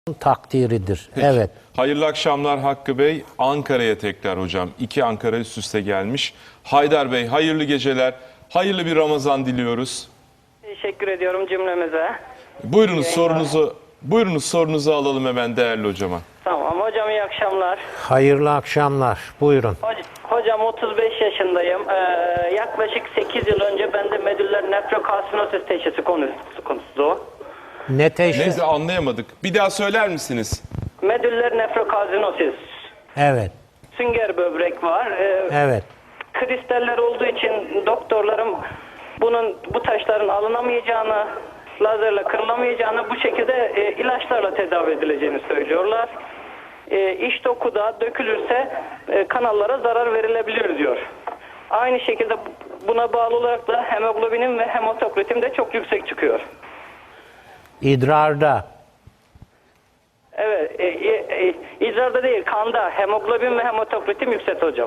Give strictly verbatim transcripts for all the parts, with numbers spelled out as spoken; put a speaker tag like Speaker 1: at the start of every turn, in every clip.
Speaker 1: takdiridir.
Speaker 2: Peki.
Speaker 1: Evet.
Speaker 2: Hayırlı akşamlar Hakkı Bey. Ankara'ya tekrar hocam. İki Ankara üst üste gelmiş. Haydar Bey hayırlı geceler. Hayırlı bir Ramazan diliyoruz.
Speaker 3: Teşekkür ediyorum cümlemize.
Speaker 2: Buyurunuz sorunuzu buyurunuz sorunuzu alalım hemen değerli hocama.
Speaker 3: Tamam hocam, iyi akşamlar.
Speaker 1: Hayırlı akşamlar. Buyurun.
Speaker 3: Hoc- Hocam otuz beş yaşındayım. Ee, yaklaşık sekiz yıl önce bende medüller nefrokalsinosis teşhisi konusu. konusu.
Speaker 1: Ne teşhis?
Speaker 2: Neyse anlayamadık. Bir daha söyler misiniz?
Speaker 3: Medüller nefrokalsinosis.
Speaker 1: Evet.
Speaker 3: Sünger böbrek var. Ee,
Speaker 1: Evet.
Speaker 3: Kristaller olduğu için doktorlarım bunun bu taşların alınamayacağını, lazerle kırılamayacağını, bu şekilde e, ilaçlarla tedavi edileceğini söylüyorlar. E, iç dokuda dökülürse e, kanallara zarar verilebilir diyor. Aynı şekilde buna bağlı olarak da hemoglobinim ve hematokritim de çok yüksek çıkıyor.
Speaker 1: İdrarda.
Speaker 3: Evet, e, e, e, idrarda değil, kanda hemoglobin ve hematokritim yüksek hocam.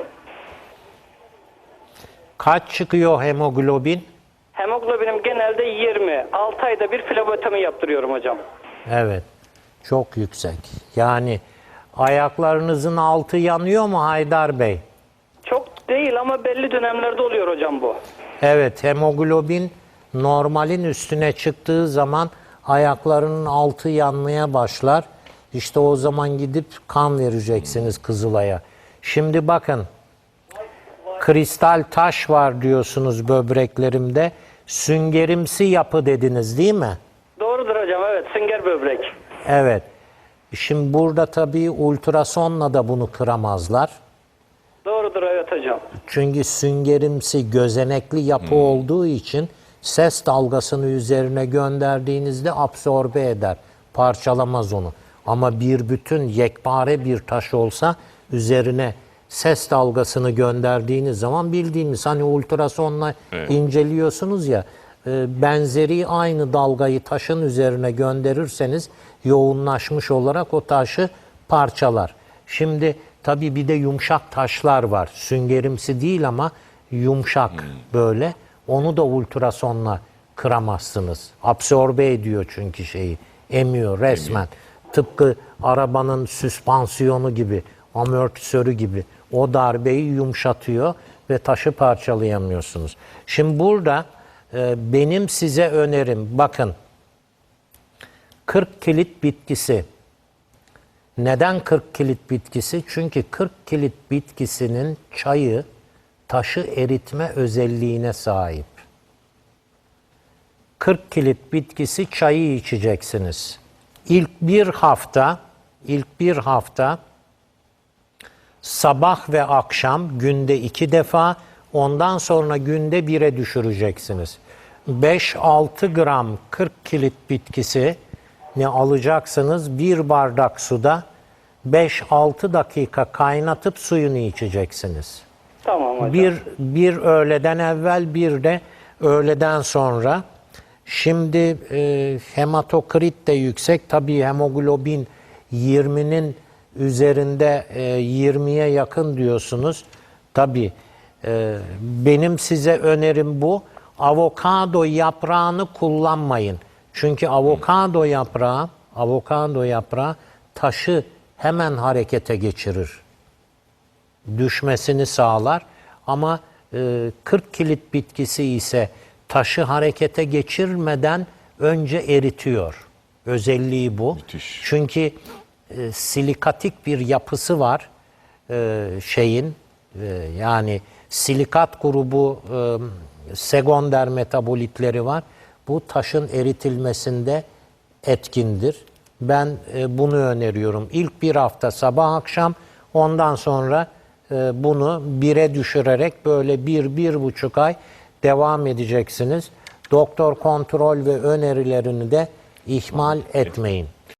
Speaker 1: Kaç çıkıyor hemoglobin?
Speaker 3: Hemoglobinim genelde yirmi. altı ayda bir flebotomi yaptırıyorum hocam.
Speaker 1: Evet. Çok yüksek. Yani ayaklarınızın altı yanıyor mu Haydar Bey?
Speaker 3: Çok değil ama belli dönemlerde oluyor hocam bu.
Speaker 1: Evet. Hemoglobin normalin üstüne çıktığı zaman ayaklarının altı yanmaya başlar. İşte o zaman gidip kan vereceksiniz Kızılay'a. Şimdi bakın. Kristal taş var diyorsunuz böbreklerimde. Süngerimsi yapı dediniz değil mi?
Speaker 3: Doğrudur hocam, evet, sünger böbrek.
Speaker 1: Evet. Şimdi burada tabii ultrasonla da bunu kıramazlar.
Speaker 3: Doğrudur, evet hocam.
Speaker 1: Çünkü süngerimsi gözenekli yapı hmm. olduğu için ses dalgasını üzerine gönderdiğinizde absorbe eder. Parçalamaz onu. Ama bir bütün yekpare bir taş olsa üzerine ses dalgasını gönderdiğiniz zaman bildiğimiz hani ultrasonla evet. inceliyorsunuz ya, benzeri aynı dalgayı taşın üzerine gönderirseniz yoğunlaşmış olarak o taşı parçalar. Şimdi tabii bir de yumuşak taşlar var. Süngerimsi değil ama yumuşak hmm. böyle. Onu da ultrasonla kıramazsınız. Absorbe ediyor çünkü şeyi. Emiyor resmen. Emiyor. Tıpkı arabanın süspansiyonu gibi, amortisörü gibi. O darbeyi yumuşatıyor ve taşı parçalayamıyorsunuz. Şimdi burada e, benim size önerim, bakın, kırk kilit bitkisi. Neden kırk kilit bitkisi? Çünkü kırk kilit bitkisinin çayı taşı eritme özelliğine sahip. kırk kilit bitkisi çayı içeceksiniz. İlk bir hafta, ilk bir hafta sabah ve akşam günde iki defa, ondan sonra günde bire düşüreceksiniz. beş altı gram kırk kilit bitkisi ne alacaksınız? Bir bardak suda beş altı dakika kaynatıp suyunu içeceksiniz.
Speaker 3: Tamam hocam.
Speaker 1: Bir, bir öğleden evvel, bir de öğleden sonra. Şimdi e, hematokrit de yüksek. Tabii hemoglobin yirminin üzerinde, e, yirmiye yakın diyorsunuz. Tabii e, benim size önerim bu. Avokado yaprağını kullanmayın. Çünkü avokado yaprağı, avokado yaprağı taşı hemen harekete geçirir. Düşmesini sağlar. Ama e, kırk kilit bitkisi ise taşı harekete geçirmeden önce eritiyor. Özelliği bu.
Speaker 2: Müthiş.
Speaker 1: Çünkü e, silikatik bir yapısı var e, şeyin. E, yani silikat grubu e, sekonder metabolitleri var. Bu taşın eritilmesinde etkindir. Ben e, bunu öneriyorum. İlk bir hafta sabah akşam, ondan sonra e, bunu bire düşürerek böyle bir, bir buçuk ay devam edeceksiniz. Doktor kontrol ve önerilerini de ihmal etmeyin.